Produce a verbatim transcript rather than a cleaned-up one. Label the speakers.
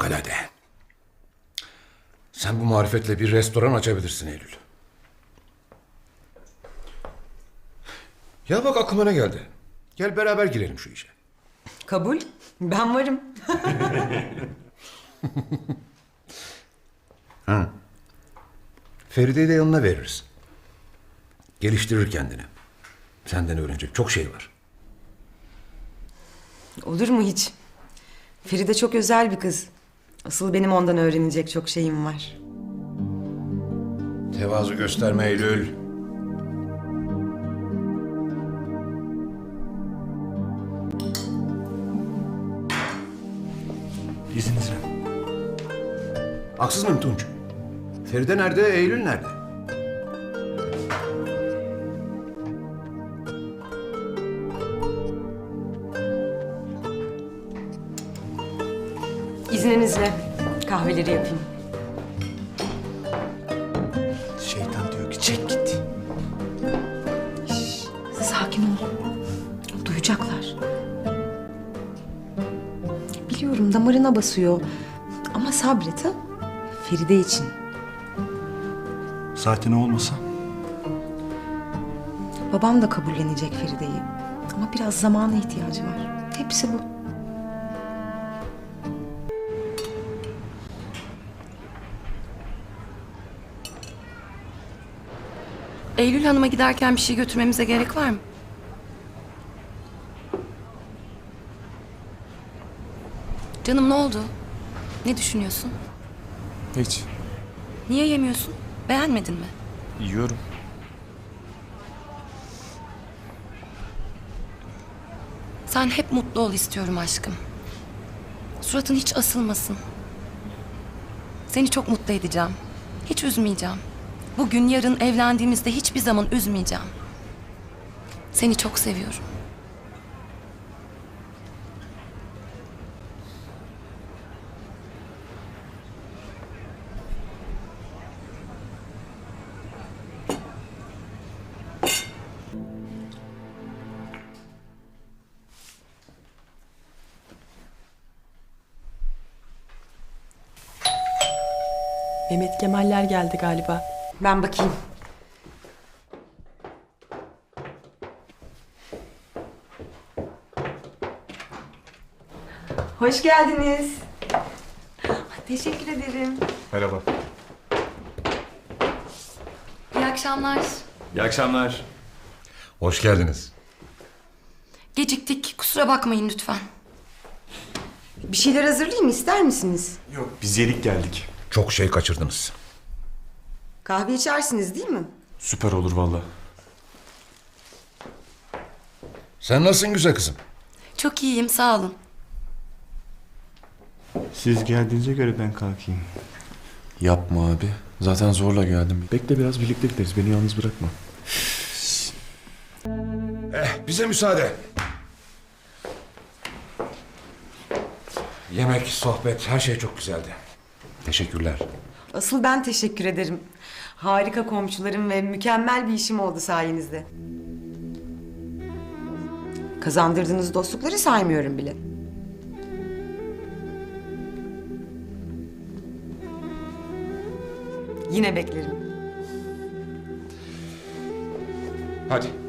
Speaker 1: fevkalade. Sen bu marifetle bir restoran açabilirsin Eylül. Ya bak aklıma ne geldi. Gel beraber girelim şu işe.
Speaker 2: Kabul. Ben varım.
Speaker 1: Ha. Feride'yi de yanına veririz. Geliştirir kendini. Senden öğrenecek çok şey var.
Speaker 2: Olur mu hiç? Feride çok özel bir kız. Asıl benim ondan öğrenecek çok şeyim var.
Speaker 1: Tevazu gösterme Eylül.
Speaker 3: İzninizle.
Speaker 1: Haksız mıyım Tunç? Feride nerede, Eylül nerede?
Speaker 2: İzninizle kahveleri yapayım.
Speaker 3: Şeytan diyor ki çek git.
Speaker 2: Sakin ol. Duyacaklar. Biliyorum damarına basıyor. Ama sabret ha. Feride için.
Speaker 3: Zaten o olmasa
Speaker 2: Babam da kabullenecek Feride'yi. Ama biraz zamana ihtiyacı var. Hepsi bu.
Speaker 4: Eylül Hanım'a giderken bir şey götürmemize gerek var mı? Canım ne oldu? Ne düşünüyorsun?
Speaker 5: Hiç.
Speaker 4: Niye yemiyorsun? Beğenmedin mi?
Speaker 5: Yiyorum.
Speaker 4: Sen hep mutlu ol istiyorum aşkım. Suratın hiç asılmasın. Seni çok mutlu edeceğim. Hiç üzmeyeceğim. Bugün yarın evlendiğimizde hiçbir zaman üzmeyeceğim. Seni çok seviyorum.
Speaker 6: Mehmet Kemaller geldi galiba.
Speaker 2: Ben bakayım. Hoş geldiniz. Teşekkür ederim.
Speaker 5: Merhaba.
Speaker 4: İyi akşamlar.
Speaker 5: İyi akşamlar.
Speaker 1: Hoş geldiniz.
Speaker 4: Geciktik. Kusura bakmayın lütfen.
Speaker 2: Bir şeyler hazırlayayım mı? İster misiniz?
Speaker 5: Yok, biz yedik geldik.
Speaker 1: Çok şey kaçırdınız.
Speaker 2: Kahve içersiniz değil mi?
Speaker 5: Süper olur vallahi.
Speaker 1: Sen nasılsın güzel kızım?
Speaker 4: Çok iyiyim, sağ olun.
Speaker 7: Siz geldiğinize göre ben kalkayım.
Speaker 5: Yapma abi. Zaten zorla geldim. Bekle biraz birlikte gideriz. Beni yalnız bırakma.
Speaker 1: Eh, bize müsaade. Yemek, sohbet, her şey çok güzeldi. Teşekkürler.
Speaker 2: Asıl ben teşekkür ederim. Harika komşularım ve mükemmel bir işim oldu sayenizde. Kazandırdığınız dostlukları saymıyorum bile. Yine beklerim.
Speaker 1: Hadi.